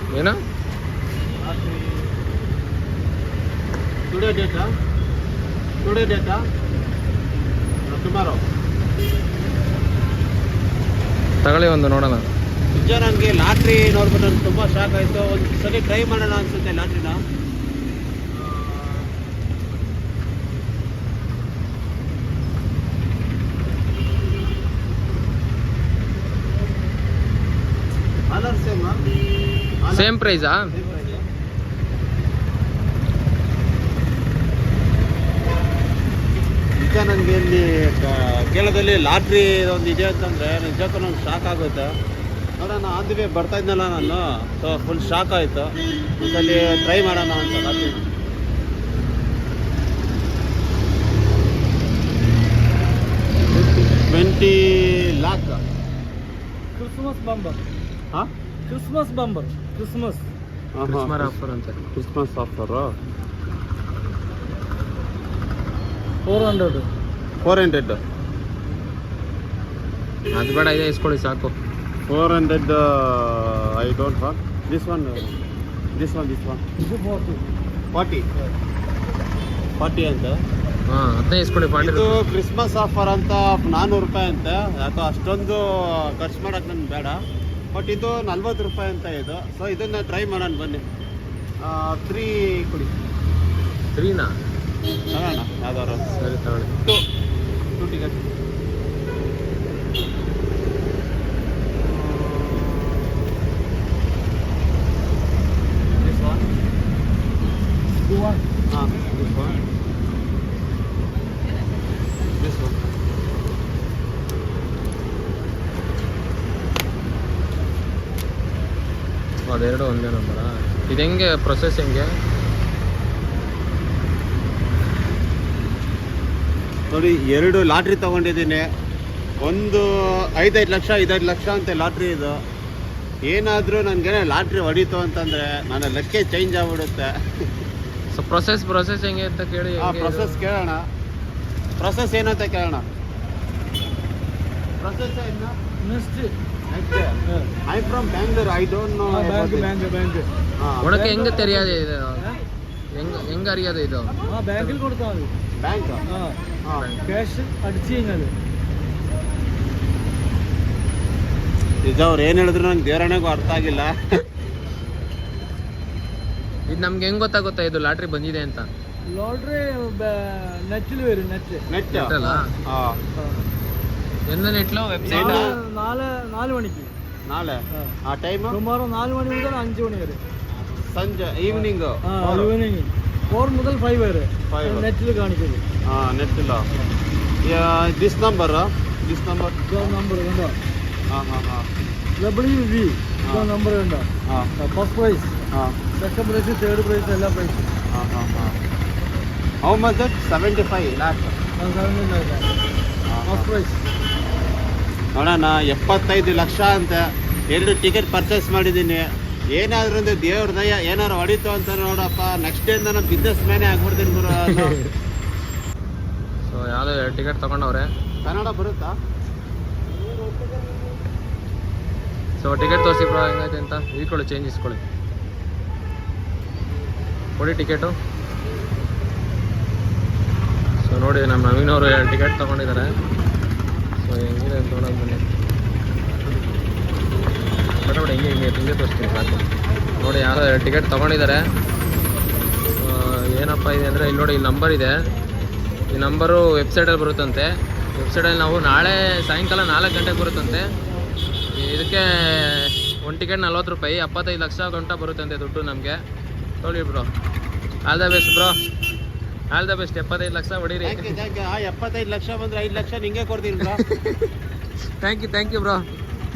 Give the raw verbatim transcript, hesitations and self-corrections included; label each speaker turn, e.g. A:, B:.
A: ಏನು
B: today data today data tomorrow
A: ತಗೊಳ್ಳಿ ಒಂದು ನೋಡೋಣ.
B: ನಿಜ ನನಗೆ ಲಾಟ್ರಿ ನೋಡ್ಬಿಟ್ಟು ನನಗೆ ತುಂಬ ಶಾಕ್ ಆಯಿತು. ಒಂದು ಸಲ ಟ್ರೈ ಮಾಡೋಣ ಅನಿಸುತ್ತೆ ಲಾಟ್ರಿನ. ಆಲರ್ ಸೇಮ್
A: ಸೇಮ್ ಪ್ರೈಸಾ?
B: ನಿಜ ನನಗೆ ಇಲ್ಲಿ ಕೇರಳದಲ್ಲಿ ಲಾಟ್ರಿ ಒಂದು ಇದೆ ಅಂತಂದರೆ ನಿಜಕ್ಕೂ ನಂಗೆ ಶಾಕ್ ಆಗುತ್ತೆ. ನೋಡೋಣ ಆನ್ ದಿ ವೇ ಬರ್ತಾ ಇದ್ನಲ್ಲ ನಾನು, ಸೊ ಫುಲ್ ಶಾಕ್ ಆಯಿತು. ಒಂದ್ಸಲಿ ಟ್ರೈ ಮಾಡೋಣ ಅಂತ lottery. Twenty lakh
C: Christmas bumper.
B: ಹಾಂ
C: Christmas bumper Christmas
A: Christmas offer ಅಂತ.
B: Christmas offer
C: four hundred
B: four hundred
A: ಅದು ಬೇಡ, ಇದೆ ಇಸ್ಕೊಳ್ಳಿ ಸಾಕು.
B: Four hundred I don't want this one this one this one
C: ಇದು ಫೋರ್ಟಿ
B: ಫಾರ್ಟಿ ಫಾರ್ಟಿ ಅಂತ.
A: ಹಾಂ ಅದನ್ನೇ ಇಸ್ಕೊಳ್ಳಿ. ಫಾರ್ಟಿ
B: ಇದು ಕ್ರಿಸ್ಮಸ್ ಆಫರ್ ಅಂತ ನಾನ್ನೂರು ರೂಪಾಯಿ ಅಂತ. ಯಾಕೋ ಅಷ್ಟೊಂದು ಖರ್ಚು ಮಾಡೋಕೆ ನನ್ಗೆ ಬೇಡ. ಬಟ್ ಇದು ನಲ್ವತ್ತು ರೂಪಾಯಿ ಅಂತ ಇದು. ಸೊ ಇದನ್ನು ಟ್ರೈ ಮಾಡೋಣ ಬನ್ನಿ. ತ್ರೀ ಕೊಡಿ,
A: ತ್ರೀನಾ?
B: ತಗೋಣ ಯಾವ್ದಾರು.
A: ಸರಿ ತಗೊಳ್ಳಿ.
B: Two two ticket. This one
C: two one
B: ಹಾಂ ದಿಸ್ ಒನ್ ದಿಸ್ ಒನ್
A: ಅದೆರಡು ಒಂದೇ ನಂಬರಾ? ಇದು ಹೆಂಗೆ ಪ್ರೊಸೆಸ್ ಹೆಂಗೆ?
B: ನೋಡಿ, ಎರಡು ಲಾಟ್ರಿ ತೊಗೊಂಡಿದ್ದೀನಿ. ಒಂದು ಐದೈದು ಲಕ್ಷ ಐದೈದು ಲಕ್ಷ ಅಂತ ಲಾಟ್ರಿ ಇದು. ಏನಾದರೂ ನನಗೇನೆ ಲಾಟ್ರಿ ಹೊಡೀತು ಅಂತಂದರೆ ನನ್ನ ಲೆಕ್ಕ ಚೇಂಜ್ ಆಗಿಬಿಡುತ್ತೆ.
A: ಸೊ ಪ್ರೊಸೆಸ್ ಪ್ರೊಸೆಸ್ ಹೆಂಗೆ ಅಂತ ಕೇಳಿ.
B: ಆ ಪ್ರೊಸೆಸ್ ಕೇಳೋಣ. ಪ್ರೊಸೆಸ್ ಏನಂತ ಕೇಳೋಣ. ಪ್ರೊಸೆಸ್ ಏನು?
C: Next
B: I from Bangalore. I don't know.
C: Bank bank bank
A: ಒಳಕ್ಕೆ ಹೆಂಗೆ ತೆರೆಯೋದು ಇದು? ಹೆಂಗೆ ಹೆಂಗೆ ಅರಿಯೋದು ಇದು?
C: ആ ബാങ്കിൽ കൊടുത്താൽ മതി.
B: ಬ್ಯಾಂಕ್
C: ആ ക്യാഷ് അടിച്ചു കഴിഞ്ഞാൽ
B: ನಿಜ ಅವ್ರು ಏನು ಹೇಳಿದ್ರು ನಂಗೆ ದೇವರಣೆಗೂ ಅರ್ಥ ಆಗಿಲ್ಲ.
A: ಇದು ನಮ್ಗೆ ಹೆಂಗೆ ಗೊತ್ತಾಗುತ್ತಾ ಇದು ಲಾಟ್ರಿ ಬಂದಿದೆ ಅಂತ?
C: ലോട്ടറി നെറ്റിൽ വരും. നെറ്റ്
B: ನೆಟ್
A: ಅಲ್ಲ
B: ಹಾಂ.
A: ಎಂದ ನೆಟ್ಲು ವೆಬ್ಸೈಟ್?
C: നാല് നാല് മണിക്ക്
B: ನಾಳೆ ಆ ಟೈಮು
C: ടുമാറോ നാല് മണി മുതൽ അഞ്ച് മണി വരെ.
B: ಸಂಜೆ ಈವ್ನಿಂಗ್
C: ഈവനിങ് ഫോർ മുതൽ ഫൈവ് വരെ
B: Five.
C: നെറ്റിൽ കാണിക്കുന്നത്.
B: ಹಾಂ ನೆಟ್ ಇಲ್ಲ. This number this number
C: number കണ്ടോ?
B: ಹಾಂ ಹಾಂ ಹಾಂ
C: ഡബ്ല്യു വി നമ്പർ കണ്ടോ?
B: ಹಾಂ
C: ഫസ്റ്റ് പ്രൈസ്,
B: ಹಾಂ
C: സെക്കൻഡ് പ്രൈസ്, തേർഡ് പ്രൈസ്, എല്ലാ പ്രൈസും.
B: ಹಾಂ ಹಾಂ ಹಾಂ how much that? Seventy five lakh
C: first prize.
B: ನೋಡೋಣ. ಎಪ್ಪತ್ತೈದು ಲಕ್ಷ ಅಂತ ಎರಡು ಟಿಕೆಟ್ ಪರ್ಚೇಸ್ ಮಾಡಿದ್ದೀನಿ. ಏನಾದರೂ ಒಂದು ದೇವ್ರ ದಯ ಏನಾರು ಹೊಡಿತು ಅಂತ ನೋಡಪ್ಪ. ನೆಕ್ಸ್ಟ್ ಡೇಯಿಂದ ನಾನು ಬಿಸ್ನೆಸ್ ಮ್ಯಾನೇ ಆಗ್ಬಿಡ್ತೀನಿ ಗುರು.
A: ಸೊ ಯಾವುದೋ ಎರಡು ಟಿಕೆಟ್ ತೊಗೊಂಡವ್ರೆ.
B: ಕನ್ನಡ ಬರುತ್ತಾ?
A: ಸೊ ಟಿಕೆಟ್ ತೋರಿಸಿ ಬ್ರೋ ಹೆಂಗೈತೆ ಅಂತ. ಇಟ್ಕೊಳ್ಳಿ, ಚೇಂಜ್ ಇಸ್ಕೊಳ್ಳಿ. ಕೊಡಿ ಟಿಕೆಟು. ಸೊ ನೋಡಿ, ನಮ್ಮ ನವೀನ್ ಅವರು ಎರಡು ಟಿಕೆಟ್ ತೊಗೊಂಡಿದ್ದಾರೆ. ಸೊ ಹೆಂಗಿದೆ ಅಂತ ನೋಡೋದು ಬನ್ನಿ. ಬಟ್ ನೋಡಿ ಹಿಂಗೆ ಹಿಂಗೆ ಹಿಂಗೆ ತೋರಿಸ್ತೀನಿ ಸಾಕು. ನೋಡಿ ಯಾರೋ ಎರಡು ಟಿಕೆಟ್ ತೊಗೊಂಡಿದ್ದಾರೆ. ಏನಪ್ಪ ಇದೆ ಅಂದರೆ ಇಲ್ಲಿ ನೋಡಿ, ಇಲ್ಲಿ ನಂಬರ್ ಇದೆ. ಈ ನಂಬರು ವೆಬ್ಸೈಟಲ್ಲಿ ಬರುತ್ತಂತೆ. ವೆಬ್ಸೈಟಲ್ಲಿ ನಾವು ನಾಳೆ ಸಾಯಂಕಾಲ ನಾಲ್ಕು ಗಂಟೆಗೆ ಬರುತ್ತಂತೆ. ಇದಕ್ಕೆ ಒಂದು ಟಿಕೆಟ್ ನಲ್ವತ್ತು ರೂಪಾಯಿ, ಎಪ್ಪತ್ತೈದು ಲಕ್ಷ ಗಂಟ ಬರುತ್ತಂತೆ ದುಡ್ಡು ನಮಗೆ. ನೋಡಿ bro, all the best bro, all the best. ಎಪ್ಪತ್ತೈದು ಲಕ್ಷ ಹೊಡೀರಿ.
B: ಎಪ್ಪತ್ತೈದು ಲಕ್ಷ ಬಂದರೆ ಐದು ಲಕ್ಷ ನಿಂಗೆ ಕೊಡ್ತೀನಿ bro.
A: Thank you thank you bro.